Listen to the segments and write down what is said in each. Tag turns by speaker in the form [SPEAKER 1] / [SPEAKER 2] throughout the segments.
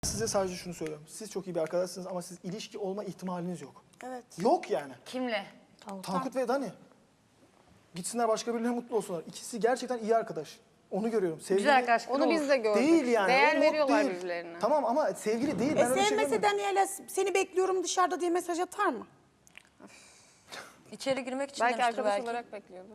[SPEAKER 1] Size sadece şunu söylüyorum. Siz çok iyi bir arkadaşsınız ama siz ilişki olma ihtimaliniz yok.
[SPEAKER 2] Evet.
[SPEAKER 1] Yok yani.
[SPEAKER 3] Kimle?
[SPEAKER 1] Tankut ve Dani. Gitsinler başka birilerine mutlu olsunlar. İkisi gerçekten iyi arkadaş. Onu görüyorum. Sevgili
[SPEAKER 3] Güzel arkadaşlıklar
[SPEAKER 4] Onu biz de gördük.
[SPEAKER 1] değil yani.
[SPEAKER 4] Değer
[SPEAKER 1] O mod
[SPEAKER 4] veriyorlar
[SPEAKER 1] değil.
[SPEAKER 4] birbirlerine.
[SPEAKER 1] Tamam ama sevgili değil. Ben öyle bir şey
[SPEAKER 2] Sevmese
[SPEAKER 1] görmedim.
[SPEAKER 2] Daniel'e seni bekliyorum dışarıda diye mesaj atar mı?
[SPEAKER 3] İçeri girmek için
[SPEAKER 4] Belki
[SPEAKER 3] demiştir
[SPEAKER 4] arkadaş
[SPEAKER 3] belki.
[SPEAKER 4] olarak bekliyordur.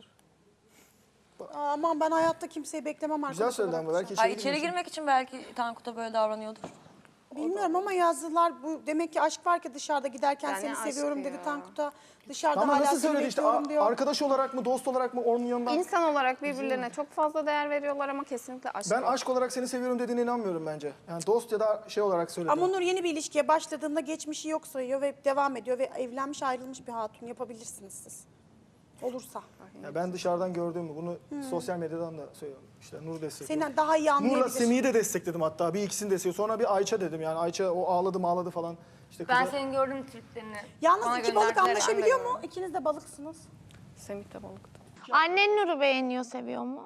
[SPEAKER 2] Aman ben hayatta kimseyi beklemem
[SPEAKER 1] Güzel
[SPEAKER 2] arkadaş
[SPEAKER 1] söyledi
[SPEAKER 2] olarak.
[SPEAKER 1] ama belki
[SPEAKER 3] Ay,
[SPEAKER 1] içeri
[SPEAKER 3] içeri
[SPEAKER 1] girmek
[SPEAKER 3] girmek için belki Tankut'a böyle davranıyordur.
[SPEAKER 2] Bilmiyorum ama yazdılar. Bu demek ki aşk var ki dışarıda giderken
[SPEAKER 4] Yani
[SPEAKER 2] seni
[SPEAKER 4] aşk
[SPEAKER 2] seviyorum
[SPEAKER 4] ya.
[SPEAKER 2] dedi Tankut'a. Dışarıda
[SPEAKER 1] Ama
[SPEAKER 2] hala
[SPEAKER 1] nasıl
[SPEAKER 2] seni
[SPEAKER 1] söyledi işte
[SPEAKER 2] bekliyorum diyor.
[SPEAKER 1] arkadaş olarak mı dost olarak mı onun yanından.
[SPEAKER 4] İnsan olarak birbirlerine çok fazla değer veriyorlar ama kesinlikle aşk
[SPEAKER 1] Ben
[SPEAKER 4] yok.
[SPEAKER 1] aşk olarak seni seviyorum dediğine inanmıyorum bence. Yani dost ya da şey olarak söyledi.
[SPEAKER 2] Ama Nur yeni bir ilişkiye başladığında geçmişi yok sayıyor ve devam ediyor ve evlenmiş ayrılmış bir hatun yapabilirsiniz siz. Olursa.
[SPEAKER 1] Ya ben dışarıdan gördüğümü bunu sosyal medyadan da söylüyorum. İşte Nur destekliyor.
[SPEAKER 2] Seni daha iyi
[SPEAKER 1] Nur'la
[SPEAKER 2] anlayabilir.
[SPEAKER 1] Semih'i de destekledim hatta. Bir ikisini destekledim. Sonra bir Ayça dedim yani. Ayça o ağladı falan. İşte
[SPEAKER 3] Ben
[SPEAKER 1] kıza-
[SPEAKER 3] senin gördüğüm triplerini
[SPEAKER 2] Yalnız
[SPEAKER 3] bana
[SPEAKER 2] iki balık
[SPEAKER 3] gönderdiler.
[SPEAKER 2] anlaşabiliyor
[SPEAKER 4] Ben de
[SPEAKER 2] mu? İkiniz de balıksınız.
[SPEAKER 4] Semih de balıktı.
[SPEAKER 5] Annen Nur'u beğeniyor, seviyor mu?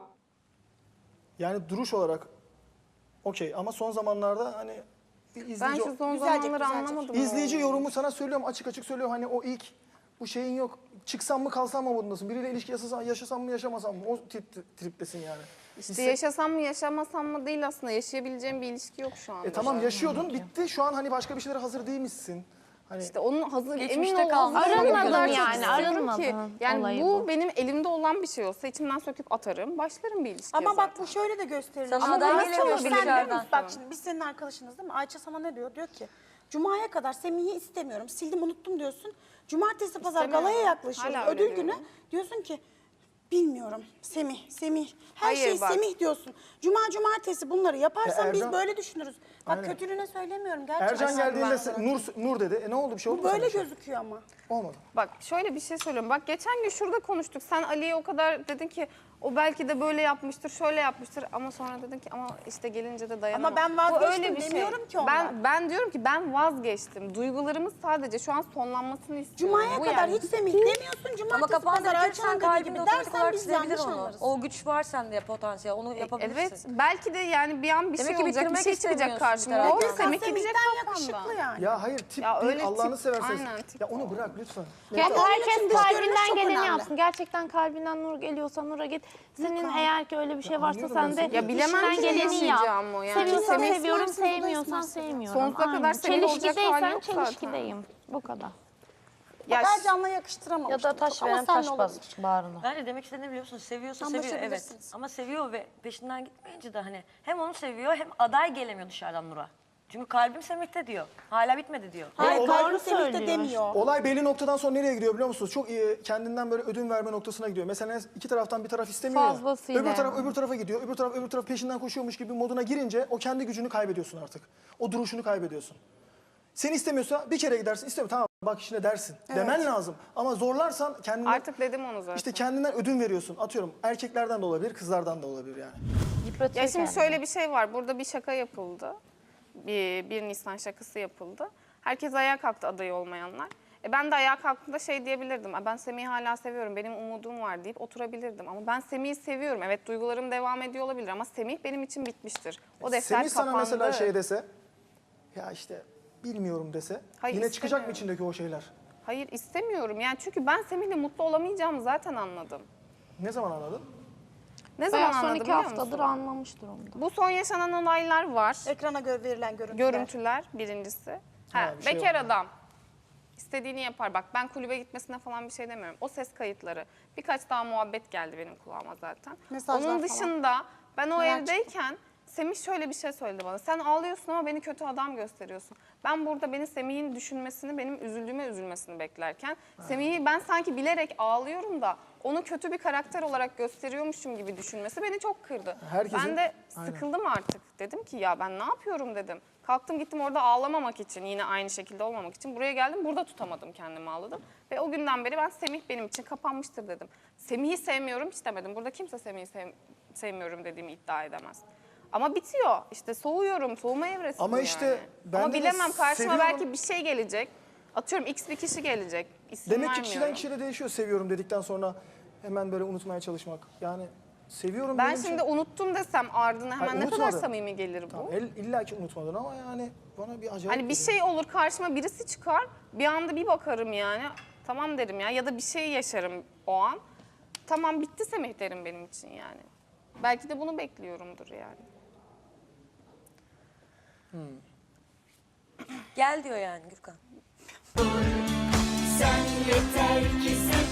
[SPEAKER 1] Yani duruş olarak okey ama son zamanlarda hani bir
[SPEAKER 4] Ben
[SPEAKER 1] izleyici,
[SPEAKER 4] şu son
[SPEAKER 2] Güzelce,
[SPEAKER 4] zamanları
[SPEAKER 2] güzelce.
[SPEAKER 4] anlamadım.
[SPEAKER 1] izleyici
[SPEAKER 4] o.
[SPEAKER 1] yorumu sana söylüyorum açık söylüyorum. Hani o ilk bu şeyin yok. Çıksam mı kalsam mı modundasın. Biriyle ilişki yaşasam mı yaşamasam mı? O triptesin yani.
[SPEAKER 4] İşte yaşasam mı yaşamasam mı değil aslında. Yaşayabileceğim bir ilişki yok şu anda.
[SPEAKER 1] Tamam yaşıyordun bitti. Şu an hani başka bir şeylere hazır değilmişsin. Hani
[SPEAKER 4] İşte onun hazır,
[SPEAKER 3] Geçmişte
[SPEAKER 4] emin ol
[SPEAKER 3] kalmış.
[SPEAKER 4] hazır olana
[SPEAKER 5] Arınmadın
[SPEAKER 4] kadar çok
[SPEAKER 5] yani,
[SPEAKER 4] istiyorum
[SPEAKER 5] arınmadın.
[SPEAKER 4] ki. Yani
[SPEAKER 5] Olayı
[SPEAKER 4] bu
[SPEAKER 5] bu.
[SPEAKER 4] benim elimde olan bir şey olsa içimden söküp atarım. Başlarım bir ilişkiye
[SPEAKER 2] Ama bak
[SPEAKER 4] zaten.
[SPEAKER 2] bu şöyle de gösterilir.
[SPEAKER 3] Sana
[SPEAKER 2] Ama
[SPEAKER 3] aday
[SPEAKER 2] nasıl
[SPEAKER 3] gelemiyor
[SPEAKER 2] olur? Sen
[SPEAKER 3] dışarıdan.
[SPEAKER 2] biliyor musun? Bak şimdi biz senin arkadaşınız değil mi? Ayça sana ne diyor? Diyor ki Cuma'ya kadar Semih'i istemiyorum. Sildim unuttum diyorsun. Cumartesi pazar
[SPEAKER 4] İstemiyorum.
[SPEAKER 2] galaya yaklaşıyoruz.
[SPEAKER 4] Hala öyle
[SPEAKER 2] Ödül günü
[SPEAKER 4] diyorum.
[SPEAKER 2] diyorsun ki bilmiyorum. Semih. Her
[SPEAKER 4] Hayır,
[SPEAKER 2] şey
[SPEAKER 4] bak.
[SPEAKER 2] Semih diyorsun. Cumartesi bunları yaparsan
[SPEAKER 1] Ya
[SPEAKER 2] biz
[SPEAKER 1] Ercan-
[SPEAKER 2] böyle düşünürüz. Bak
[SPEAKER 1] Aynen.
[SPEAKER 2] kötülüğüne söylemiyorum gerçekten.
[SPEAKER 1] Ercan geldiğinde Nur dedi. Ne oldu bir şey oldu
[SPEAKER 2] Bu
[SPEAKER 1] mu sana
[SPEAKER 2] böyle
[SPEAKER 1] bir şey?
[SPEAKER 2] gözüküyor ama.
[SPEAKER 1] Olmadı.
[SPEAKER 4] Bak şöyle bir şey söylüyorum. Bak geçen gün şurada konuştuk. Sen Ali'ye o kadar dedin ki o belki de böyle yapmıştır, şöyle yapmıştır. Ama sonra dedin ki ama işte gelince de dayanamam.
[SPEAKER 2] Ama ben
[SPEAKER 4] Bu
[SPEAKER 2] vazgeçtim
[SPEAKER 4] öyle bir şey.
[SPEAKER 2] demiyorum ki ondan.
[SPEAKER 4] Ben diyorum ki ben vazgeçtim. Duygularımız sadece şu an sonlanmasını istiyorum.
[SPEAKER 2] Cuma'ya
[SPEAKER 4] Bu
[SPEAKER 2] kadar
[SPEAKER 4] yani.
[SPEAKER 2] hiç Semih demiyorsun.
[SPEAKER 3] Ama
[SPEAKER 2] Cumartesi
[SPEAKER 3] kafanda
[SPEAKER 2] pazar
[SPEAKER 3] bırakırsan
[SPEAKER 2] Ayça'nın dediği
[SPEAKER 3] kalbinde
[SPEAKER 2] gibi
[SPEAKER 3] otomatik
[SPEAKER 2] dersen
[SPEAKER 3] olarak
[SPEAKER 2] biz
[SPEAKER 3] silebilir
[SPEAKER 2] yanlış
[SPEAKER 3] onu.
[SPEAKER 2] anlarız.
[SPEAKER 3] O güç var sende potansiyel, onu yapabilirsin.
[SPEAKER 4] Evet belki de yani bir an bir
[SPEAKER 3] Demek
[SPEAKER 4] şey
[SPEAKER 3] ki
[SPEAKER 4] olacak, bir
[SPEAKER 3] bitirmek
[SPEAKER 4] şey çıkacak
[SPEAKER 3] istemiyorsun
[SPEAKER 4] karşıma.
[SPEAKER 3] bir
[SPEAKER 4] O
[SPEAKER 3] taraftan.
[SPEAKER 4] Semih gidecek
[SPEAKER 2] Semih'ten
[SPEAKER 4] kafamda.
[SPEAKER 2] yakışıklı yani.
[SPEAKER 1] Ya hayır tip
[SPEAKER 4] Ya
[SPEAKER 1] değil
[SPEAKER 4] öyle
[SPEAKER 1] Allah'ını
[SPEAKER 4] tip-
[SPEAKER 1] seversen.
[SPEAKER 4] aynen, tip
[SPEAKER 1] Ya onu bırak lütfen.
[SPEAKER 5] Yani
[SPEAKER 2] Ama onun
[SPEAKER 5] herkes
[SPEAKER 2] için dış görünüş
[SPEAKER 5] kalbinden
[SPEAKER 2] çok
[SPEAKER 5] geleni
[SPEAKER 2] önemli.
[SPEAKER 5] yapsın. Gerçekten kalbinden Nur geliyorsa Nur'a git. Senin eğer ki öyle bir şey varsa
[SPEAKER 1] anlıyorum
[SPEAKER 5] sen
[SPEAKER 1] ben
[SPEAKER 5] de
[SPEAKER 1] seni.
[SPEAKER 4] Ya bilemem
[SPEAKER 5] içinden
[SPEAKER 4] ki
[SPEAKER 5] geleni yap.
[SPEAKER 4] yaşayacağım o yani.
[SPEAKER 5] Seviyorsan
[SPEAKER 4] Semih
[SPEAKER 5] seviyorum,
[SPEAKER 2] ısmarsız, o da
[SPEAKER 5] sevmiyorsan
[SPEAKER 2] ısmarsız.
[SPEAKER 5] sevmiyorum.
[SPEAKER 4] Sonsuza kadar
[SPEAKER 5] Aynen.
[SPEAKER 4] senin olacak hali
[SPEAKER 5] Çelişkideysen
[SPEAKER 4] yok zaten.
[SPEAKER 5] çelişkideyim. Bu kadar.
[SPEAKER 4] Ya
[SPEAKER 2] Bak Ercan'la yakıştıramamıştım.
[SPEAKER 6] Ya da taş
[SPEAKER 2] çok.
[SPEAKER 6] veren
[SPEAKER 2] Ama senle
[SPEAKER 6] taş
[SPEAKER 2] olabilir.
[SPEAKER 6] bas bağrına.
[SPEAKER 3] Ben de demek istediğini biliyor musun? Seviyorsa seviyor evet.
[SPEAKER 2] Anlaşabilirsiniz.
[SPEAKER 3] Ama seviyor ve peşinden gitmeyince de hani hem onu seviyor hem aday gelemiyor dışarıdan Nur'a. Çünkü kalbim Semih'te diyor. Hala bitmedi diyor.
[SPEAKER 2] Hayır,
[SPEAKER 1] olay-
[SPEAKER 2] kalbim
[SPEAKER 5] Doğru
[SPEAKER 2] Semih'te
[SPEAKER 5] söylüyor.
[SPEAKER 2] demiyor.
[SPEAKER 1] Olay belli noktadan sonra nereye gidiyor biliyor musunuz? Çok iyi, kendinden böyle ödün verme noktasına gidiyor. Mesela iki taraftan bir taraf istemiyor ya.
[SPEAKER 5] Fazlasıyla.
[SPEAKER 1] Öbür taraf öbür tarafa gidiyor. Öbür taraf peşinden koşuyormuş gibi moduna girince o kendi gücünü kaybediyorsun artık. O duruşunu kaybediyorsun. Seni istemiyorsa bir kere gidersin. İstemiyor tamam bak işine dersin. Demen lazım. Ama zorlarsan kendinden
[SPEAKER 4] artık dedim onu zaten.
[SPEAKER 1] işte kendinden ödün veriyorsun. Atıyorum erkeklerden de olabilir, kızlardan da olabilir yani.
[SPEAKER 6] Yıpratıyor
[SPEAKER 4] Ya şimdi
[SPEAKER 6] kendini.
[SPEAKER 4] şöyle bir şey var. Burada bir şaka yapıldı. Bir Nisan şakası yapıldı. Herkes ayağa kalktı aday olmayanlar. Ben de ayağa kalktığımda şey diyebilirdim. Ben Semih'i hala seviyorum, benim umudum var deyip oturabilirdim. Ama ben Semih'i seviyorum. Evet duygularım devam ediyor olabilir ama Semih benim için bitmiştir. O defter
[SPEAKER 1] Semih sana
[SPEAKER 4] kapandı.
[SPEAKER 1] mesela şey dese, ya işte bilmiyorum dese,
[SPEAKER 4] Hayır,
[SPEAKER 1] yine çıkacak mı
[SPEAKER 4] istemiyorum.
[SPEAKER 1] içindeki o şeyler?
[SPEAKER 4] Hayır istemiyorum. Yani çünkü ben Semih'le mutlu olamayacağımı zaten anladım.
[SPEAKER 1] Ne zaman anladın?
[SPEAKER 4] Ne zaman
[SPEAKER 5] Bayağı son
[SPEAKER 4] anladım
[SPEAKER 5] 2
[SPEAKER 4] biliyor
[SPEAKER 5] haftadır
[SPEAKER 4] musun?
[SPEAKER 5] anlamıştır onu da.
[SPEAKER 4] Bu son yaşanan olaylar var.
[SPEAKER 2] Ekrana verilen görüntüler.
[SPEAKER 4] Görüntüler birincisi.
[SPEAKER 1] bir şey
[SPEAKER 4] Bekar
[SPEAKER 1] oldu.
[SPEAKER 4] adam. İstediğini yapar. Bak ben kulübe gitmesine falan bir şey demiyorum. O ses kayıtları. Birkaç daha muhabbet geldi benim kulağıma zaten.
[SPEAKER 2] Mesajlar
[SPEAKER 4] Onun
[SPEAKER 2] falan.
[SPEAKER 4] dışında ben o
[SPEAKER 2] Neler
[SPEAKER 4] evdeyken Semih şöyle bir şey söyledi bana. Sen ağlıyorsun ama beni kötü adam gösteriyorsun. Ben burada beni Semih'in düşünmesini, benim üzüldüğüme üzülmesini beklerken Semih'i ben sanki bilerek ağlıyorum da onu kötü bir karakter olarak gösteriyormuşum gibi düşünmesi beni çok kırdı.
[SPEAKER 1] Herkesin-
[SPEAKER 4] Ben de
[SPEAKER 1] Aynen.
[SPEAKER 4] sıkıldım artık. Dedim ki ya ben ne yapıyorum dedim. Kalktım gittim orada ağlamamak için, yine aynı şekilde olmamak için. Buraya geldim, burada tutamadım kendimi, ağladım. Ve o günden beri ben Semih benim için kapanmıştır dedim. Semih'i sevmiyorum hiç demedim. Burada kimse Semih'i sevmiyorum dediğimi iddia edemez. Ama bitiyor. İşte soğuyorum, soğuma evresinde
[SPEAKER 1] Ama işte
[SPEAKER 4] yani.
[SPEAKER 1] ben
[SPEAKER 4] Ama
[SPEAKER 1] de
[SPEAKER 4] bilemem karşıma
[SPEAKER 1] seviyorum.
[SPEAKER 4] belki bir şey gelecek. Atıyorum X bir kişi gelecek. İsim
[SPEAKER 1] Demek ki kişiden
[SPEAKER 4] vermiyorum.
[SPEAKER 1] kişiye de değişiyor seviyorum dedikten sonra hemen böyle unutmaya çalışmak. Yani seviyorum.
[SPEAKER 4] Ben
[SPEAKER 1] benim için-
[SPEAKER 4] şimdi unuttum desem ardına hemen
[SPEAKER 1] Hayır,
[SPEAKER 4] ne kadar
[SPEAKER 1] unutmadım.
[SPEAKER 4] samimi gelir bu?
[SPEAKER 1] Tamam, illa ki unutmadın ama yani bana bir acayip
[SPEAKER 4] Hani bir
[SPEAKER 1] geliyor.
[SPEAKER 4] şey olur karşıma birisi çıkar bir anda bir bakarım yani tamam derim ya da bir şey yaşarım o an. Tamam bitti Semih derim benim için yani. Belki de bunu bekliyorumdur yani.
[SPEAKER 3] Gel diyor yani Gürkan.
[SPEAKER 6] Sen yeter ki sev